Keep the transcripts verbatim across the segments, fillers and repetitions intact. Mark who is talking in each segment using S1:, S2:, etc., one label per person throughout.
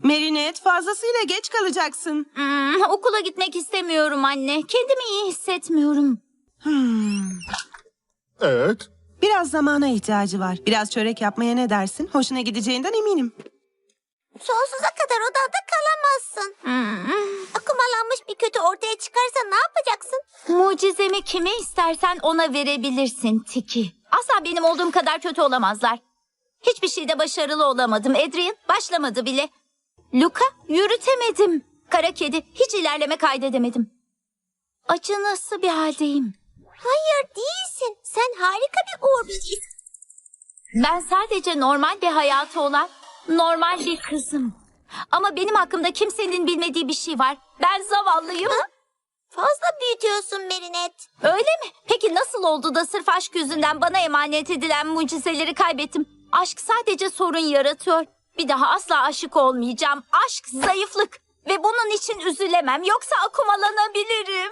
S1: Marinette, fazlasıyla geç kalacaksın.
S2: Hmm, okula gitmek istemiyorum anne. Kendimi iyi hissetmiyorum.
S1: Hmm.
S3: Evet.
S1: Biraz zamana ihtiyacı var. Biraz çörek yapmaya ne dersin? Hoşuna gideceğinden eminim.
S4: Sonsuza kadar odanda kalamazsın.
S2: Hmm.
S4: Akumalanmış bir kötü ortaya çıkarsa ne yapacaksın?
S2: Mucizemi kime istersen ona verebilirsin Tiki. Asla benim olduğum kadar kötü olamazlar. Hiçbir şeyde başarılı olamadım. Adrian başlamadı bile. Luka yürütemedim. Kara kedi hiç ilerleme kaydedemedim. Acınası bir haldeyim.
S4: Hayır değilsin. Sen harika bir Uğur böceğisin.
S2: Ben sadece normal bir hayatı olan normal bir kızım. Ama benim hakkımda kimsenin bilmediği bir şey var. Ben zavallıyım.
S4: Ha? Fazla büyütüyorsun Marinette.
S2: Öyle mi? Peki nasıl oldu da sırf aşk yüzünden bana emanet edilen mucizeleri kaybettim? Aşk sadece sorun yaratıyor. Bir daha asla aşık olmayacağım. Aşk zayıflık. Ve bunun için üzülemem. Yoksa akumalanabilirim.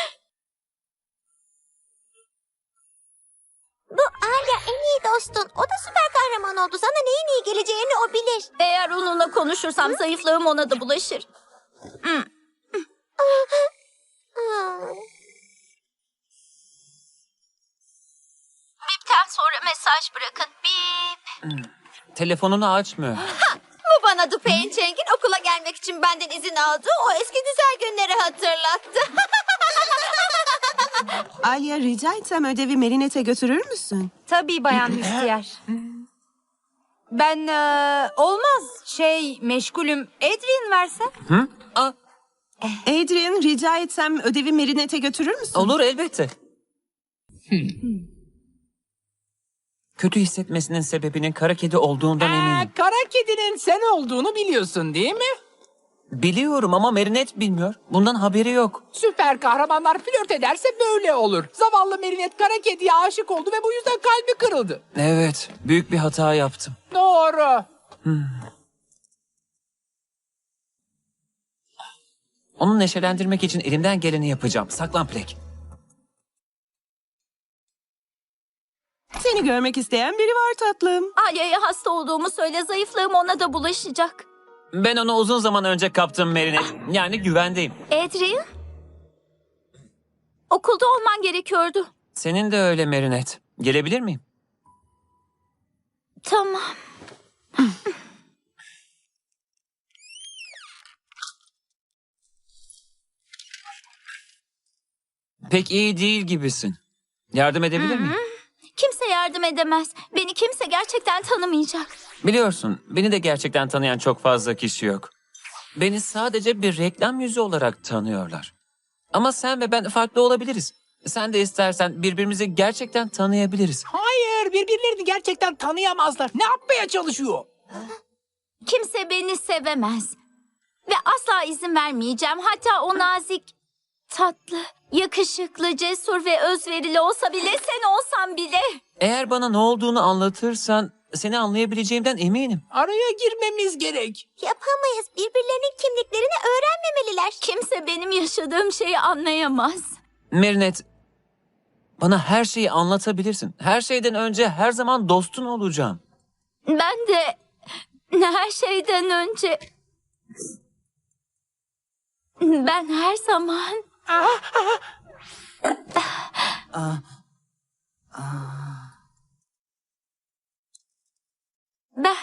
S4: Bu Alia en iyi dostun. O da süper kahraman oldu. Sana neyin iyi geleceğini o bilir.
S2: Eğer onunla konuşursam Hı? zayıflığım ona da bulaşır. Hmm. Bipten sonra mesaj bırakın. Bip.
S5: Telefonunu açmıyor.
S4: Ha, bu bana Dupe'in Cheng'in okula gelmek için benden izin aldığı o eski güzel günleri hatırlattı.
S1: Alia, rica etsem ödevi Marinette'e götürür müsün?
S6: Tabii Bayan Hüstiyer. Ben e, olmaz şey meşgulüm. Adrian versen.
S5: Hı? Aa,
S1: Adrian, rica etsem ödevi Marinette'e götürür müsün?
S5: olur elbette. Kötü hissetmesinin sebebinin kara kedi olduğundan
S7: Ee,
S5: eminim.
S7: kara kedinin sen olduğunu biliyorsun değil mi?
S5: Biliyorum ama Marinette bilmiyor. Bundan haberi yok.
S7: Süper kahramanlar flört ederse böyle olur. Zavallı Marinette kara kediye aşık oldu ve bu yüzden kalbi kırıldı.
S5: Evet, büyük bir hata yaptım.
S7: Doğru.
S5: Hmm. Onu neşelendirmek için elimden geleni yapacağım. Saklan Plek.
S1: Seni görmek isteyen biri var tatlım.
S2: Alia'ya hasta olduğumu söyle. Zayıflığım ona da bulaşacak.
S5: Ben onu uzun zaman önce kaptım Marinette. Yani güvendeyim.
S2: Adrian? Okulda olman gerekiyordu.
S5: Senin de öyle Marinette. Gelebilir miyim?
S2: Tamam.
S5: Pek iyi değil gibisin. Yardım edebilir miyim?
S2: Kimse yardım edemez. Beni kimse gerçekten tanımayacak.
S5: Biliyorsun, beni de gerçekten tanıyan çok fazla kişi yok. Beni sadece bir reklam yüzü olarak tanıyorlar. Ama sen ve ben farklı olabiliriz. Sen de istersen birbirimizi gerçekten tanıyabiliriz.
S7: Hayır, birbirlerini gerçekten tanıyamazlar. Ne yapmaya çalışıyor?
S2: Kimse beni sevemez. Ve asla izin vermeyeceğim. Hatta o nazik, tatlı, yakışıklı, cesur ve özverili olsa bile, sen olsan bile.
S5: Eğer bana ne olduğunu anlatırsan seni anlayabileceğimden eminim.
S7: Araya girmemiz gerek.
S4: Yapamayız. Birbirlerinin kimliklerini öğrenmemeliler.
S2: Kimse benim yaşadığım şeyi anlayamaz.
S5: Marinette, bana her şeyi anlatabilirsin. Her şeyden önce her zaman dostun olacağım.
S2: Ben de her şeyden önce... Ben her zaman... Ben...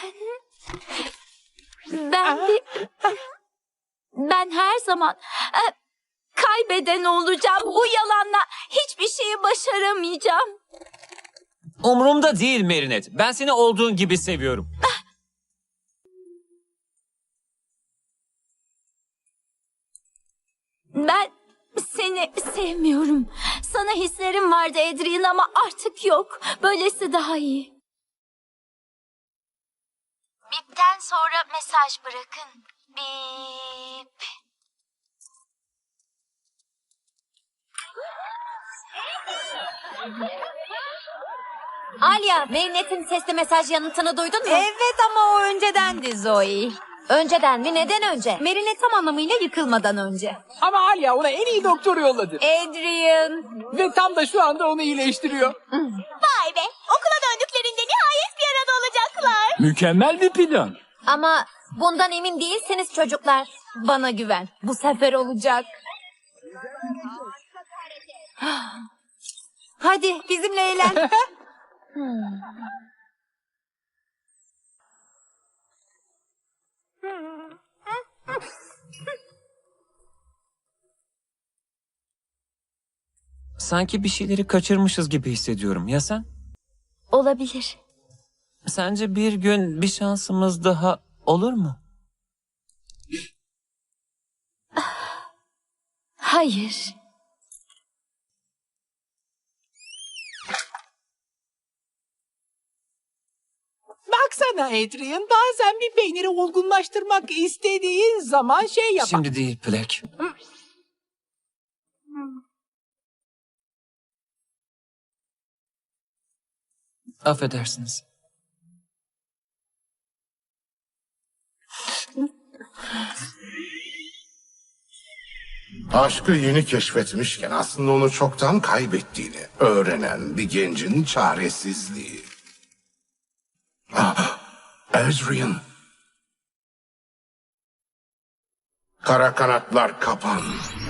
S2: Ben bir... Ben her zaman e, kaybeden olacağım. Bu yalanla hiçbir şeyi başaramayacağım.
S5: Umurumda değil Marinette. Ben seni olduğun gibi seviyorum.
S2: Ben seni sevmiyorum. Sana hislerim vardı Adrian ama artık yok. Böylesi daha iyi. Bipten sonra mesaj bırakın. Bip.
S6: Alia, Marinette'in sesli mesaj yanıtını duydun mu? Evet ama o öncedendi Zoe. Önceden mi? Neden önce? Marinette tam anlamıyla yıkılmadan önce.
S7: Ama Alia ona en iyi doktor yolladı.
S6: Adrian.
S7: Ve tam da şu anda onu iyileştiriyor.
S4: Vay be. Okula döndüklerinde nihayet bir arada olacaklar.
S8: Mükemmel bir plan.
S6: Ama bundan emin değilseniz çocuklar. Bana güven. Bu sefer olacak. Hadi bizimle eğlen.
S5: Sanki bir şeyleri kaçırmışız gibi hissediyorum. Ya sen?
S2: Olabilir.
S5: Sence bir gün bir şansımız daha olur mu?
S2: Hayır.
S7: Baksana Adrian, bazen bir peyniri olgunlaştırmak istediğin zaman şey yapar.
S5: Şimdi değil Plek. Affedersiniz.
S3: Aşkı yeni keşfetmişken aslında onu çoktan kaybettiğini öğrenen bir gencin çaresizliği. Ah, Adrian. Kara kanatlar kapan.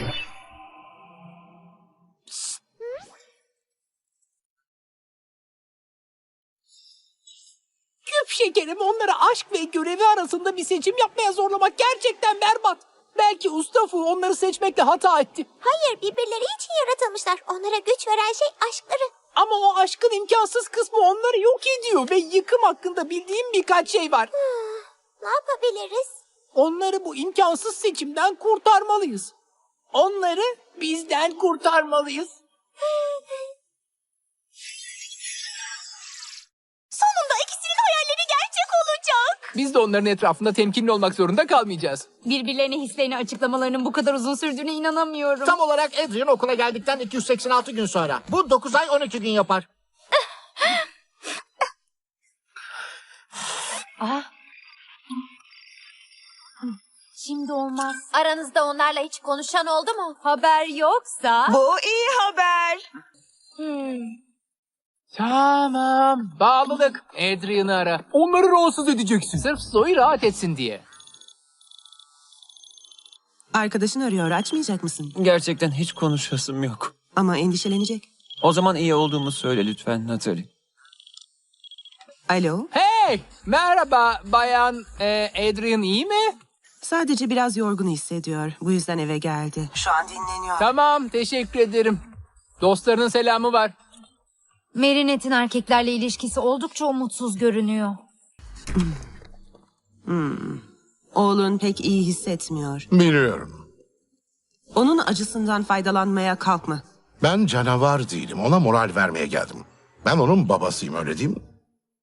S7: Küp şekerim, onları aşk ve görevi arasında bir seçim yapmaya zorlamak gerçekten berbat. Belki Ustafu onları seçmekte hata etti.
S4: Hayır, birbirleri için yaratılmışlar. Onlara güç veren şey aşkları.
S7: Ama o aşkın imkansız kısmı onları yok ediyor ve yıkım hakkında bildiğim birkaç şey var.
S4: Ne yapabiliriz?
S7: Onları bu imkansız seçimden kurtarmalıyız. Onları bizden kurtarmalıyız.
S4: Sonunda ikisinin hayalleri gerçek olacak.
S7: Biz de onların etrafında temkinli olmak zorunda kalmayacağız.
S6: Birbirlerine hislerini açıklamalarının bu kadar uzun sürdüğüne inanamıyorum.
S8: Tam olarak Adrian okula geldikten iki yüz seksen altı gün sonra. Bu dokuz ay on iki gün yapar.
S6: Şimdi olmaz.
S2: Aranızda onlarla hiç konuşan oldu mu?
S6: Haber yoksa...
S1: Bu iyi haber.
S7: Tamam. Bağlılık. Adrian'ı ara. Onları rahatsız edeceksin. Sırf Zoe rahat etsin diye.
S1: Arkadaşın arıyor, açmayacak mısın?
S5: Gerçekten hiç konuşasım yok.
S1: Ama endişelenecek.
S5: O zaman iyi olduğumu söyle lütfen Natalie.
S1: Alo,
S7: Hey! Merhaba bayan e, Adrian, iyi mi?
S1: sadece biraz yorgun hissediyor. Bu yüzden eve geldi. Şu an dinleniyor.
S7: Tamam, teşekkür ederim. Dostlarının selamı var.
S6: Marinette'in erkeklerle ilişkisi oldukça umutsuz görünüyor.
S1: Oğlun pek iyi hissetmiyor.
S3: Biliyorum.
S1: Onun acısından faydalanmaya kalkma.
S3: Ben canavar değilim. Ona moral vermeye geldim. Ben onun babasıyım, öyle değil mi?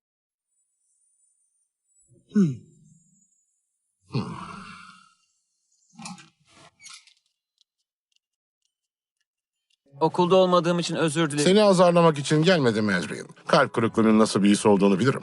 S5: Okulda olmadığım için özür dilerim.
S3: Seni azarlamak için gelmedim Adrian. Kalp kırıklığının nasıl bir his olduğunu bilirim.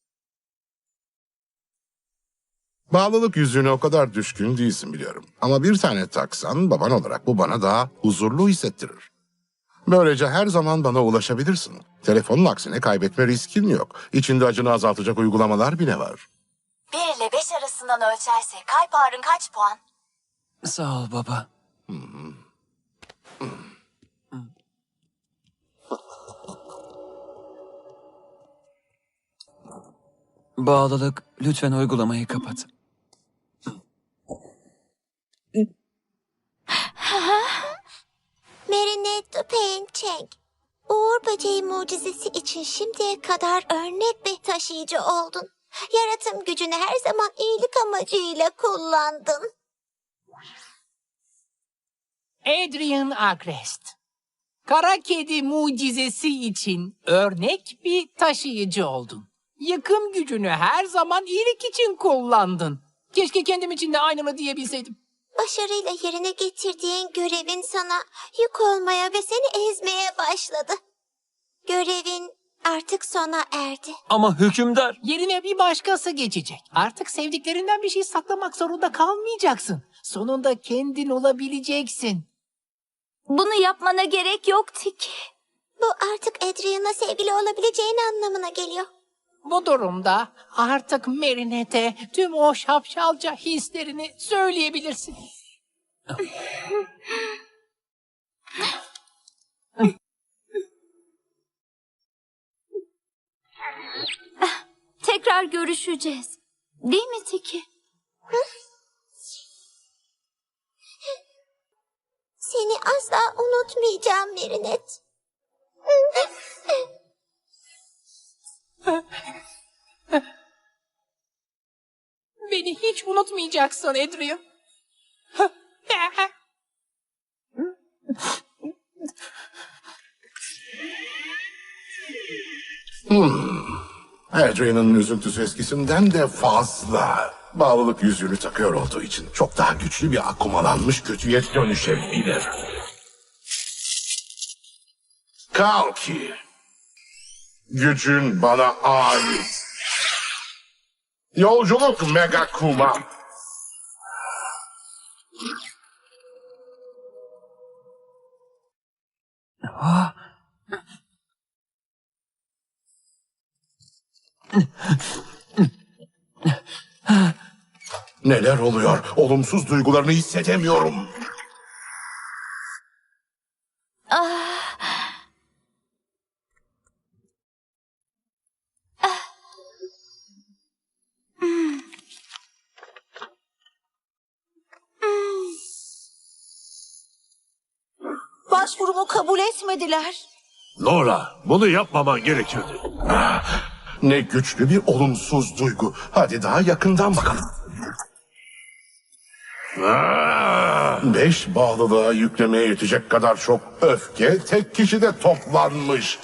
S3: Bağlılık yüzüğüne o kadar düşkün değilsin biliyorum. Ama bir tane taksan baban olarak bu bana daha huzurlu hissettirir. Böylece her zaman bana ulaşabilirsin. Telefonun aksine kaybetme riskin yok. İçinde acını azaltacak uygulamalar bile var.
S9: bir ile beş arasından ölçerse kalp ağrın kaç puan?
S5: Sağ ol baba. Bağlılık, lütfen uygulamayı kapat.
S4: Marinette Pençeng. Uğur böceği mucizesi için şimdiye kadar örnek bir taşıyıcı oldun. Yaratım gücünü her zaman iyilik amacıyla kullandın.
S7: Adrian Agrest. Kara kedi mucizesi için örnek bir taşıyıcı oldun. Yıkım gücünü her zaman iyilik için kullandın. Keşke kendim için de aynını diyebilseydim.
S4: Başarıyla yerine getirdiğin görevin sana yük olmaya ve seni ezmeye başladı. Görevin artık sona erdi.
S5: Ama hükümdar...
S7: Yerine bir başkası geçecek. Artık sevdiklerinden bir şey saklamak zorunda kalmayacaksın. Sonunda kendin olabileceksin.
S2: Bunu yapmana gerek yok Tiki.
S4: Bu artık Adrian'la sevgili olabileceğin anlamına geliyor.
S7: Bu durumda artık Marinette'e tüm o şapşalca hislerini söyleyebilirsin.
S2: Tekrar görüşeceğiz. Değil mi Tiki?
S4: Seni asla unutmayacağım Merinet.
S7: Beni hiç unutmayacaksın Adrian.
S3: Adrian'ın üzüntüsü eskisinden de fazla. Bağlılık yüzüğünü takıyor olduğu için çok daha güçlü bir akumalanmış kötüye dönüşebilir. Kalki. Gücün bana ait. Yolculuk Mega Kuma. Neler oluyor? Olumsuz duygularını hissedemiyorum.
S4: Başvurumu kabul etmediler.
S10: Nora, bunu yapmaman gerekirdi.
S3: Ne güçlü bir olumsuz duygu. Hadi daha yakından bakalım. Beş bağlılığa yüklemeye yetecek kadar çok öfke tek kişide toplanmış.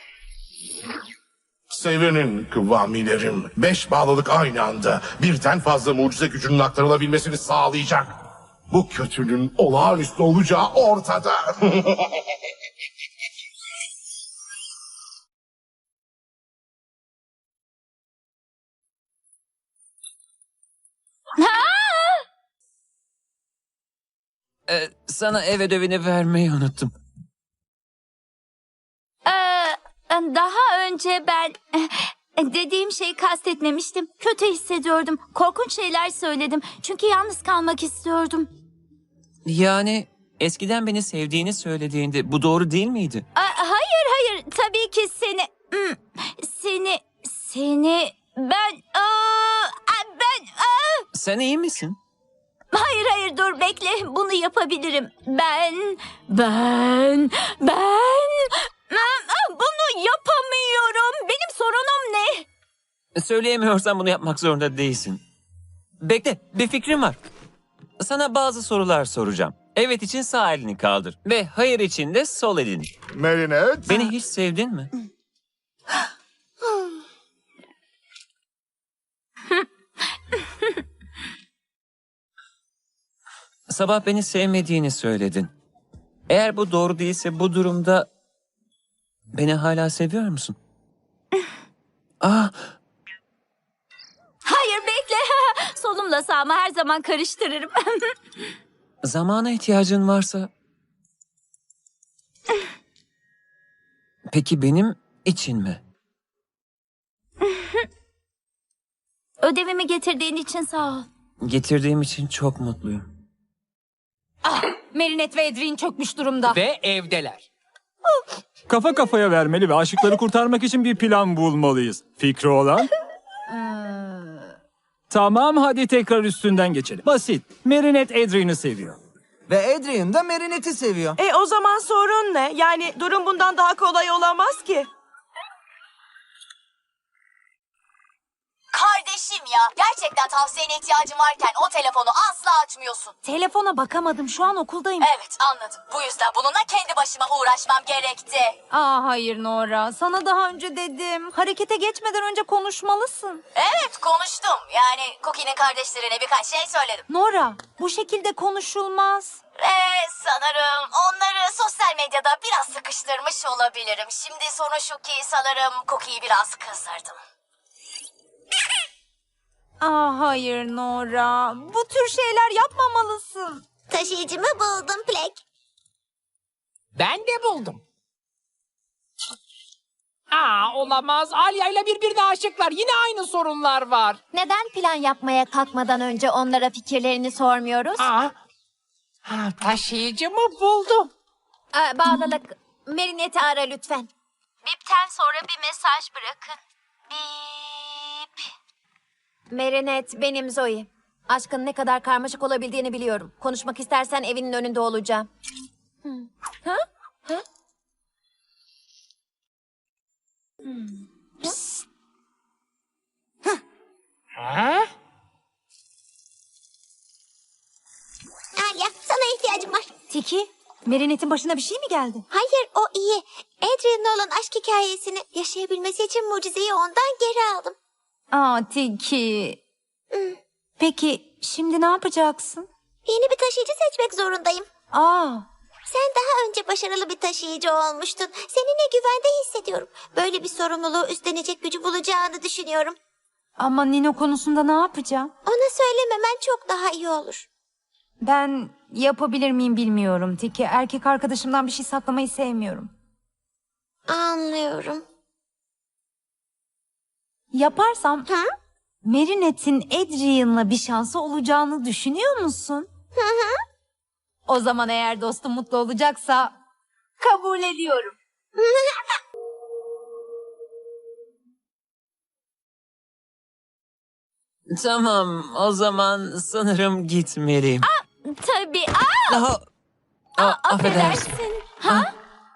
S3: Sevinin kıvamilerim. Beş bağlılık aynı anda birden fazla mucize gücünün aktarılabilmesini sağlayacak. Bu kötülüğün olağanüstü olacağı ortada.
S5: Ee, sana ev ödevini vermeyi unuttum.
S2: Ee, daha önce ben dediğim şeyi kastetmemiştim. Kötü hissediyordum. Korkunç şeyler söyledim. Çünkü yalnız kalmak istiyordum.
S5: Yani eskiden beni sevdiğini söylediğinde bu doğru değil miydi?
S2: Aa, hayır hayır. Tabii ki seni... Hmm, Seni... Seni... Ben... Aa, ben... Aa.
S5: Sen iyi misin?
S2: Hayır hayır dur bekle. Bunu yapabilirim. Ben... Ben... Ben... Aa, Bunu yapamıyorum. Benim sorunum ne?
S5: Söyleyemiyorsan bunu yapmak zorunda değilsin. Bekle, bir fikrim var. Sana bazı sorular soracağım. Evet için sağ elini kaldır. Ve hayır için de sol elini.
S3: Marinette.
S5: Beni hiç sevdin mi? Sabah beni sevmediğini söyledin. Eğer bu doğru değilse bu durumda beni hala seviyor musun? Ah,
S2: Hayır bekle. Solumla sağımı her zaman karıştırırım.
S5: zamana ihtiyacın varsa... Peki benim için mi?
S2: Ödevimi getirdiğin için sağ ol.
S5: Getirdiğim için çok mutluyum.
S6: Marinette ve Adrian çökmüş durumda.
S7: Ve evdeler.
S11: Kafa kafaya vermeli ve aşıkları kurtarmak için bir plan bulmalıyız. Fikri olan? Tamam, hadi tekrar üstünden geçelim. Basit. Marinette Adrian'ı seviyor.
S12: Ve Adrian da Marinette'i seviyor.
S1: E o zaman sorun ne? Yani durum bundan daha kolay olamaz ki.
S9: Kardeşim ya, gerçekten tavsiyene ihtiyacım varken o telefonu asla açmıyorsun.
S6: Telefona bakamadım. Şu an okuldayım.
S9: Evet, anladım. Bu yüzden bununla kendi başıma uğraşmam gerekti.
S6: Aa hayır Nora. Sana daha önce dedim. Harekete geçmeden önce konuşmalısın.
S9: Evet, konuştum. Yani Cookie'nin kardeşlerine birkaç şey söyledim.
S6: Nora, bu şekilde konuşulmaz.
S9: Ve sanırım onları sosyal medyada biraz sıkıştırmış olabilirim. Şimdi sorun şu ki sanırım Cookie'yi biraz kızdırdım.
S6: Aa hayır Nora. Bu tür şeyler yapmamalısın.
S4: Taşıyıcımı buldum Plek.
S7: Ben de buldum. Aa, olamaz. Alya ile birbirine aşıklar. Yine aynı sorunlar var.
S6: Neden plan yapmaya kalkmadan önce onlara fikirlerini sormuyoruz?
S7: Aa, ha, taşıyıcı mı buldum?
S6: Aa, bağlılık. Marinette'i ara lütfen.
S2: Bipten sonra bir mesaj bırakın. Bip.
S6: Marinette, benim Zoe. Aşkın ne kadar karmaşık olabildiğini biliyorum. Konuşmak istersen evinin önünde olacağım. Hı? Ha? Ha? Hmm. Psst.
S7: Ha?
S4: Alya, sana ihtiyacım var.
S6: Tiki, Marinette'in başına bir şey mi geldi?
S4: Hayır, o iyi. Adrian'la olan aşk hikayesini yaşayabilmesi için mucizeyi ondan geri aldım.
S6: Aa, Tiki. Peki, şimdi ne yapacaksın?
S4: Yeni bir taşıyıcı seçmek zorundayım.
S6: Aa,
S4: Sen daha önce başarılı bir taşıyıcı olmuştun. Seninle güvende hissediyorum. Böyle bir sorumluluğu üstlenecek gücü bulacağını düşünüyorum.
S6: ama Nino konusunda ne yapacağım?
S4: Ona söylememen çok daha iyi olur.
S6: Ben yapabilir miyim bilmiyorum Tiki. Erkek arkadaşımdan bir şey saklamayı sevmiyorum.
S4: Anlıyorum.
S6: Yaparsam
S4: Hı?
S6: Marinette'in Adrian'la bir şansı olacağını düşünüyor musun?
S4: Hı hı.
S6: O zaman eğer dostum mutlu olacaksa kabul ediyorum.
S5: Tamam, o zaman sanırım gitmeliyim.
S2: Tabii. Aa,
S5: Aa, aa, affedersin.
S2: affedersin. Ha?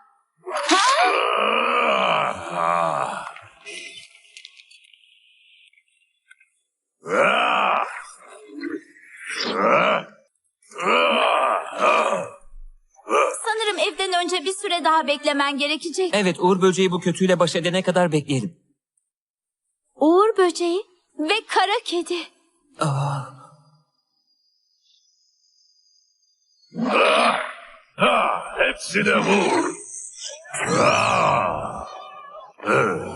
S2: Sanırım evden önce bir süre daha beklemen gerekecek.
S5: Evet, Uğur böceği bu kötüyle baş edene kadar bekleyelim.
S2: Uğur böceği ve kara kedi.
S5: Aa.
S10: Ha, hepsine vur. Ha. Hı.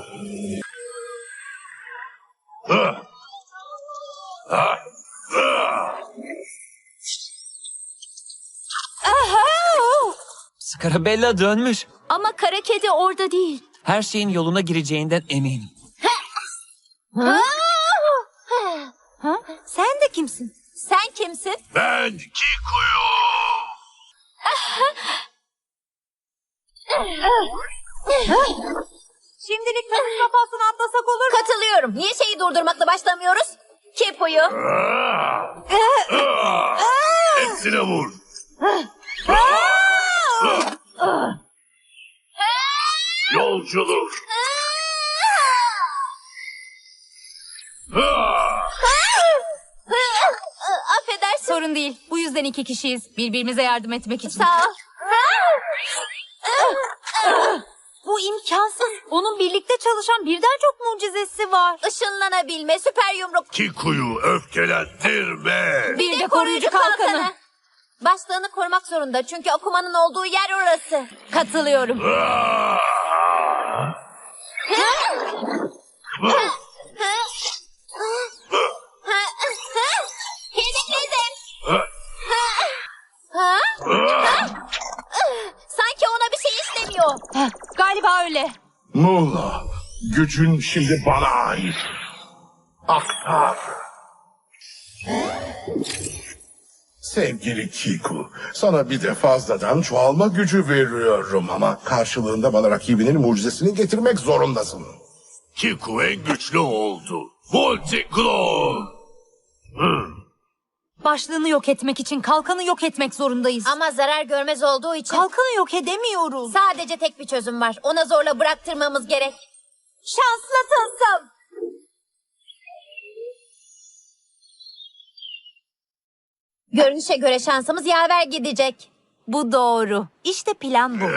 S10: Ha. Ha. Ha.
S5: Scarabella dönmüş.
S2: Ama kara kedi orada değil.
S5: Her şeyin yoluna gireceğinden eminim.
S6: Ha? Sen de kimsin?
S2: Sen kimsin?
S10: Ben Kiku'yu.
S6: Şimdilik nasıl kafasını atlasak olur mu?
S2: Katılıyorum. Niye şeyi durdurmakla başlamıyoruz? Kepo'yu.
S10: Ha. Ha. Hepsine vur. Yolculuk. Ha.
S2: Affedersin.
S6: Sorun değil. Bu yüzden iki kişiyiz. Birbirimize yardım etmek için.
S2: Sağ ol.
S6: Bu imkansız. Onun birlikte çalışan birden çok mucizesi var.
S2: Işınlanabilme, süper yumruk.
S10: Kiku'yu öfkelendirme.
S6: Bir de koruyucu kalkanı.
S2: Başlığını korumak zorunda çünkü okumanın olduğu yer orası.
S6: Katılıyorum.
S10: Ha.
S2: Kedikledim.
S10: Ha.
S2: Ha?
S10: Ha.
S2: Sanki ona bir şey istemiyor.
S6: Heh, galiba öyle.
S10: Muğla, gücün şimdi bana ait. Aktar.
S3: Sevgili Kiku, sana bir de fazladan çoğalma gücü veriyorum ama karşılığında bana rakibinin mucizesini getirmek zorundasın.
S10: Kiku en güçlü oldu. Multiclone. Hmm.
S6: Başlığını yok etmek için kalkanı yok etmek zorundayız.
S2: Ama zarar görmez olduğu için
S6: Kalkanı yok edemiyoruz.
S2: sadece tek bir çözüm var. Ona zorla bıraktırmamız gerek. Şanslı tılsım. Görünüşe göre şansımız yaver gidecek.
S6: Bu doğru. İşte plan bu.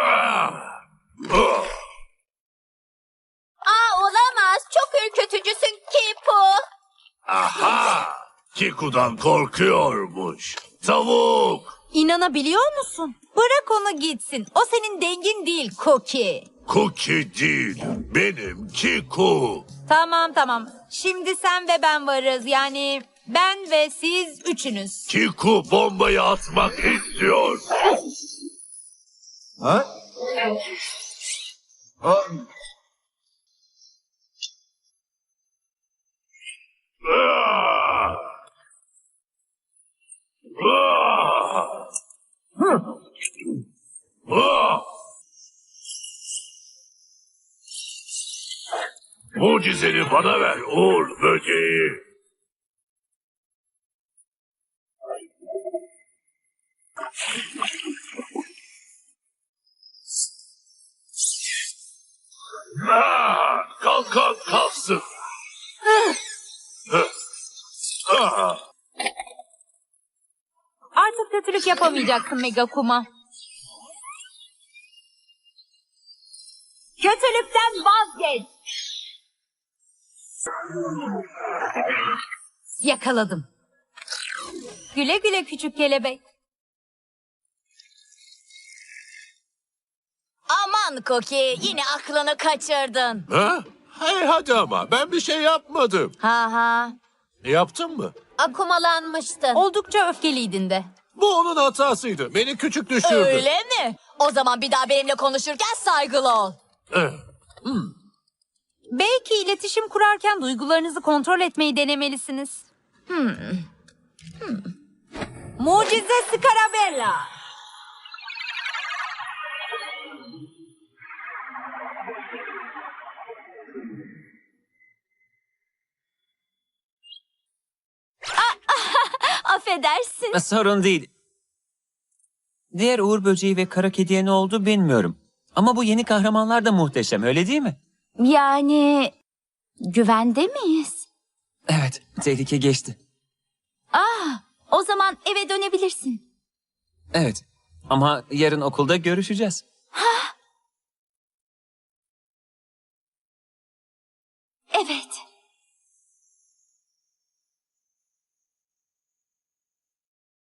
S2: Aa, olamaz. Çok ürkütücüsün Kipo.
S10: Aha! Kiku'dan korkuyormuş. Tavuk!
S6: İnanabiliyor musun? Bırak onu gitsin. O senin dengin değil Cookie.
S10: Cookie değil, benim Kiku.
S6: Tamam tamam. Şimdi sen ve ben varız. Yani ben ve siz üçünüz.
S10: Kiku bombayı atmak istiyor.
S12: Ha? Aa,
S10: Ah! Ah! Ah! Mucizeni bana ver Uğur böceği. Ah! Kalkan kalsın. Ah!
S2: Artık kötülük yapamayacaksın Mega Kuma. Kötülükten vazgeç. Yakaladım. Güle güle küçük kelebek.
S9: Aman Cookie, yine aklını kaçırdın.
S10: Ha? Hey hadi ama ben bir şey yapmadım.
S9: Ha ha.
S10: Yaptın mı?
S6: Akumalanmıştın.
S2: Oldukça öfkeliydin de.
S10: Bu onun hatasıydı. Beni küçük düşürdü.
S9: Öyle mi? O zaman bir daha benimle konuşurken saygılı ol.
S10: Eh,
S2: Belki iletişim kurarken duygularınızı kontrol etmeyi denemelisiniz. Hmm. Hmm. Mucize Scarabella. Affedersin.
S5: Sorun değil. Diğer Uğur böceği ve kara kediye ne oldu bilmiyorum. Ama bu yeni kahramanlar da muhteşem, öyle değil mi?
S2: Yani güvende miyiz?
S5: Evet, tehlike geçti.
S2: Ah, o zaman eve dönebilirsin.
S5: Evet, ama yarın okulda görüşeceğiz.
S2: Evet.